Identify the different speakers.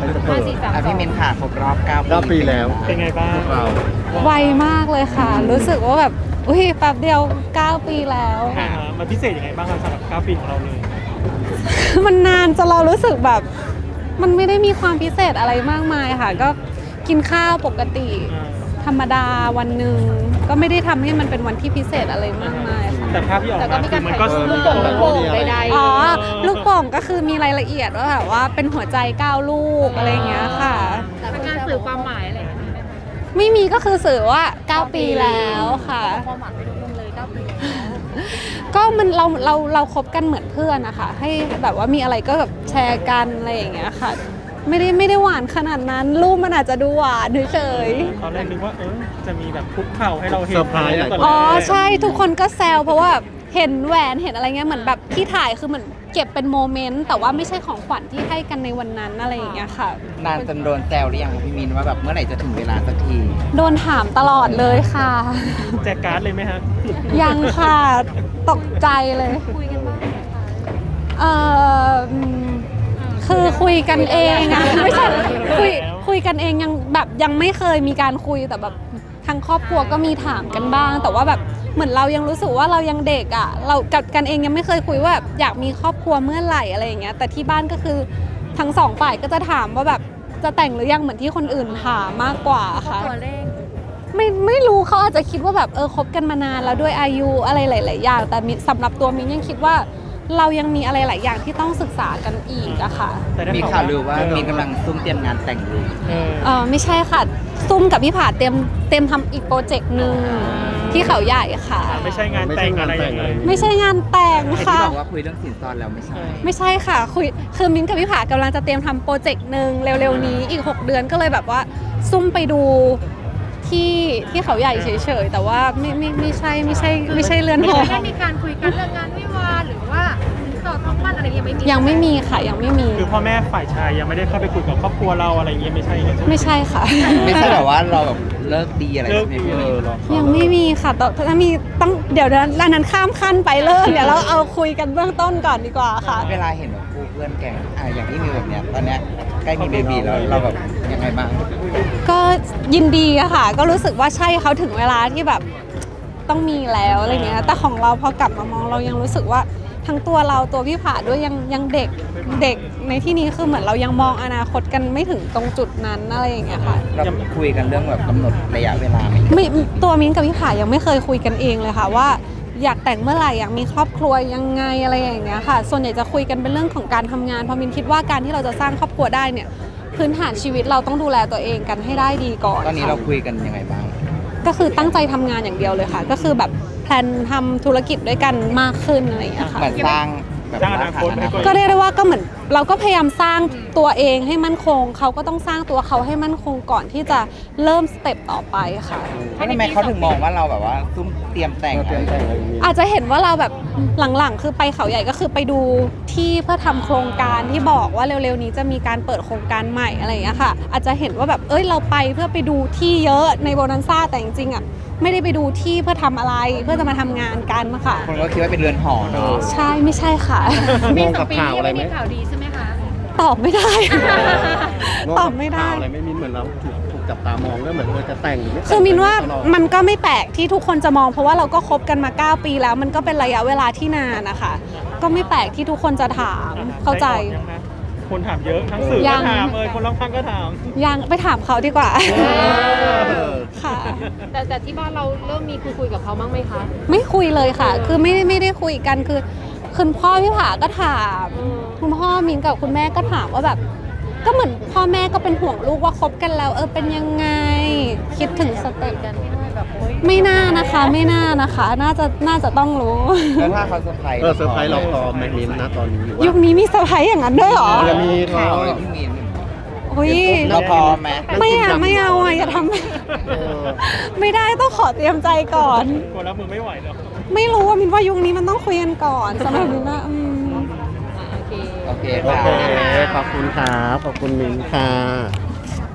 Speaker 1: พี่มินค่ะครบรอบ9 ปี
Speaker 2: ปีแล้ว
Speaker 3: เป็นไงบ้าง
Speaker 2: พวกเรา
Speaker 4: ไวมากเลยค่ะ รู้สึกว่าแบบอุ้ยแป๊บเดียว9 ปีแล้ว
Speaker 3: มันพิเศษยังไงบ้างครับสำหรับ9 ปีของเราเลย
Speaker 4: มันนานจนเรารู้สึกแบบ มันไม่ได้มีความพิเศษอะไรมากมายค่ะ ก็กินข้าวปกติ ธรรมดาวันหนึ่งก็ไม่ได้ทำให้มันเป็นวันที่พิเศษอะไรมากมายค่ะ
Speaker 3: แต่ภาพที่ออกมาคือมันก็
Speaker 2: ลูกโป่ง
Speaker 5: โป่งใด
Speaker 4: อ๋อลูกโป่งก็คือมีรายละเอียดว่าแบบว่าเป็นหัวใจ9 ลูกอะไรอย่างเงี้ยค่ะ
Speaker 5: เป็นการสื่อความหมายอะไรอย่างเงี้ย
Speaker 4: ไม่มีก็คือสื่อว่า9 ปีแล้วค่ะ
Speaker 5: ความหมายไปทุกคนเลย9 ปี
Speaker 4: ก็มันเราคบกันเหมือนเพื่อนนะคะให้แบบว่ามีอะไรก็แบบแชร์กันอะไรอย่างเงี้ยค่ะ ไม่ได้หวานขนาดนั้นรูปมันอาจจะดูหวานเฉย
Speaker 3: ตอนแรกนึกว่าจะมีแบบคุกเข่าให้เราเห็น
Speaker 2: เซอร์ไพรส์อะไร
Speaker 4: ๆอ๋อใช่ทุกคนก็แซวเพราะว่าเห็นแหวนเห็นอะไรเงี้ยเหมือนแบบที่ถ่ายคือเหมือนเก็บเป็นโมเมนต์แต่ว่าไม่ใช่ของขวัญที่ให้กันในวันนั้นอะไรอย่างเงี้ยค่ะ
Speaker 1: นานจนโดนแซวหรือยังพี่มินว่าแบบเมื่อไหร่จะถึงเวลาสักที
Speaker 4: โดนถามตลอดเลยค่ะ
Speaker 3: แจกการ์ดเลยไหมฮะ
Speaker 4: ยังค่ะตกใจเลย
Speaker 5: คุยกันบ้างไหมคะ
Speaker 4: คือคุยกันเองอะไม่ใช่คุย
Speaker 3: แล้ว
Speaker 4: คุยกันเองยังไม่เคยมีการคุยแต่แบบทางครอบครัวก็มีถามกันบ้าง แต่ว่าแบบเหมือนเรายังรู้สึกว่าเรายังเด็กอะเรากับกันเองยังไม่เคยคุยว่าแบบอยากมีครอบครัวเมื่อไหร่อะไรอย่างเงี้ยแต่ที่บ้านก็คือทั้งสองฝ่ายก็จะถามว่าแบบจะแต่งหรือยังเหมือนที่คนอื่นถามมากกว่าค่ะ
Speaker 5: ตัวเลข
Speaker 4: ไม่รู้เขาอาจจะคิดว่าแบบคบกันมานานแล้วด้วยอายุอะไรหลาย ๆ อย่าง แต่สำหรับตัวมิ้นยังคิดว่าเรายังมีอะไรหลายอย่างที่ต้องศึกษากันอีกอะค่ะ
Speaker 3: แต่ได้
Speaker 1: มีข่าวลือว่ามินกำลังซุ่มเตรียมงานแต่งอยู่
Speaker 4: ไม่ใช่ค่ะซุ่มกับพี่ผาเตรียมทำอีกโปรเจกต์หนึ่งที่เขาใหญ่ค่ะ
Speaker 3: ไม่ใช่งานแต่งอะไรอย่างเงี้ย
Speaker 4: ไม่ใช่งานแต่ง
Speaker 1: ไอ้ที่
Speaker 4: ค่ะ
Speaker 1: บอกว่าคุยเรื่องสินสอดแล้วไม่ใช่
Speaker 4: ไม่ใช่ค่ะคือมิ้นกับพี่ผากำลังจะเตรียมทำโปรเจกต์หนึ่งเร็ว ๆ นี้อีก 6 เดือนก็เลยแบบว่าซุ่มไปดูที่เขาใหญ่เฉย ๆ แต่ว่าไม่ใช่เรือนหอ
Speaker 5: ได้มีการคุยกันเรื่องงานวิวาห์หรือว่าสินสอดทองมั่นอะไรยังไม่มี
Speaker 4: ยังไม่มีค่ะยังไม่มี
Speaker 3: คือพ่อแม่ฝ่ายชายยังไม่ได้เข้าไปคุยกับครอบครัวเราอะไรอย่างเงี้ยไม่ใช่เลย
Speaker 4: ไม่ใช่ค่ะ
Speaker 1: ไม่ใช่แบบว่าเราแบบเลิกดีอะไรใช่ไหมพี่มิน
Speaker 4: ยังไม่มีค่ะแต่ถ้ามีต้องเดี๋ยวร้านนั้นข้ามขั้นไปเลิกเดี๋ยวเราเอาคุยกันเบื้องต้นก่อนดีกว่าค่ะ
Speaker 1: เวลาเห็นแบบคู่เพื่อนแก่งอย่างที่มิวแบบเนี้ยตอนเนี้ยใกล้มีเบบีแล้วเราแบบยังไงบ้าง
Speaker 4: ก็ยินดีอะค่ะ ก็รู้สึกว่าใช่เขาถึงเวลาที่แบบต้องมีแล้วอะไรเงี้ยแต่ของเราพอกลับมามองเรายังรู้สึกว่าทั้งตัวเราตัวพี่ผาด้วยยังเด็กในที่นี้คือเหมือนเรายังมองอนาคตกันไม่ถึงตรงจุดนั้นอะไรอย่างเงี้ยค่ะ
Speaker 1: เราคุยกันเรื่องแบบกำหนดระยะเวลาไหม
Speaker 4: ไม่ตัวมิ้นกับพี่ผายังไม่เคยคุยกันเองเลยค่ะว่าอยากแต่งเมื่อไหร่อยากมีครอบครัวยังไงอะไรอย่างเงี้ยค่ะ ส่วนใหญ่จะคุยกันเป็นเรื่องของการทำงานเพราะมิ้นคิดว่าการที่เราจะสร้างครอบครัวได้เนี่ยพื้นฐานชีวิตเราต้องดูแลตัวเองกันให้ได้ดีก่อน
Speaker 1: ตอนนี้
Speaker 4: ค่ะ
Speaker 1: เราคุยกันยังไงบ้าง
Speaker 4: ก็คือตั้งใจทำงานอย่างเดียวเลยค่ะ ก็คือแบบแพลนทำธุรกิจด้วยกันมากขึ้นอะไรอย่างเงี้ยค่ะ
Speaker 1: เหมือนสร้างแบบ
Speaker 3: สร้างอนาคตให้ตัวเอง
Speaker 4: ก็เรียกได้ว่าก็เหมือนเราก็พยายามสร้างตัวเองให้มั่นคงเขาก็ต้องสร้างตัวเขาให้มั่นคงก่อนที่จะเริ่มสเต็ปต่อไปค่ะ
Speaker 1: ทำไมเขาถึงมองว่าเราแบบว่าซุ่มเตรียมแต่ง
Speaker 2: เตรียมแต่งอะไรอย่างนี้
Speaker 4: อาจจะเห็นว่าเราแบบหลังๆ คือไปเขาใหญ่ก็คือไปดูที่เพื่อทำโครงการที่บอกว่าเร็วๆนี้จะมีการเปิดโครงการใหม่อะไรอย่างเงี้ยค่ะ อาจจะเห็นว่าแบบเราไปเพื่อไปดูที่เยอะในโบนันซ่าแต่จริงๆอ่ะไม่ได้ไปดูที่เพื่อทำอะไรเพื่อจะมาทำงานกันค่ะ
Speaker 1: คนก็คิดว่าเป็นเรือนหอเนาะ
Speaker 4: ใช่ไม่ใช่ค่ะ
Speaker 2: งงกับข่าวอะไรไหม
Speaker 5: มีข่าวดีใช่ไหมคะ
Speaker 4: ตอบไม่ได้
Speaker 2: งง
Speaker 4: ตอ
Speaker 2: กั
Speaker 4: บบ ไม่ได้
Speaker 2: ข่าวอะไรไม่มินเหมือนเราถูกจับตามองก็เหมือนจะแต่งหรือไม่แต่ง
Speaker 4: คือมินว่า
Speaker 2: ตลอด
Speaker 4: มันก็ไม่แปลกที่ทุกคนจะมองเพราะว่าเราก็คบกันมา 9 ปีแล้วมันก็เป็นระยะเวลาที่นานนะคะก็ไม่แปลกที่ทุกคนจะถามเข้าใจ
Speaker 3: คนถามเยอะทั้งสื่อ
Speaker 4: ยั
Speaker 3: ก็
Speaker 4: ง
Speaker 3: ถามคนรอบข้างก็ถาม
Speaker 4: ยังไปถามเขาดีกว่า ค่ะ
Speaker 5: แต่ที่บ้านเราเริ่มมีคุยกับเขาบ้างไหมคะ
Speaker 4: ไม่คุยเลยค่ะ คือไม่ได้คุยกันคือคุณพ่อพี่ผาก็ถามคุณพ่อมินกับคุณแม่ก็ถามว่าแบบ ก็เหมือนพ่อแม่ก็เป็นห่วงลูกว่าคบกันแล้วเป็นยังไง คิดถึงสเต็ป
Speaker 5: กันที่ว่าแบบ
Speaker 4: ไม่น่านะคะไม่น่านะคะ น่าจะต้องรู้
Speaker 1: แล้วถ้าเขาเซอร์ไพรส์
Speaker 2: เซอร์ไพรส์เราพร้อมไหมมินนะตอนนี้หรือว่า
Speaker 4: ยุคนี้มีเซอร์ไพรส์อย่างนั้นด้วยเหรอ
Speaker 2: จะมี
Speaker 1: ข่าวเลยพี่มิน
Speaker 4: อุ้ย
Speaker 1: เราพร้อมไหม
Speaker 4: ไม่เอาอย่าทำไม่ได้ต้องขอเตรียมใจก่อน
Speaker 3: คนรับมือไม่ไหวแล้ว
Speaker 4: ไม่รู้ว่ามินว่ายุคนี้มันต้องคุยกันก่อนสำหรับมินนะ
Speaker 5: โอเค
Speaker 1: โอเค
Speaker 2: โอ
Speaker 1: ค่ะ
Speaker 2: เคขอบคุณครับขอบคุณมินค่ะ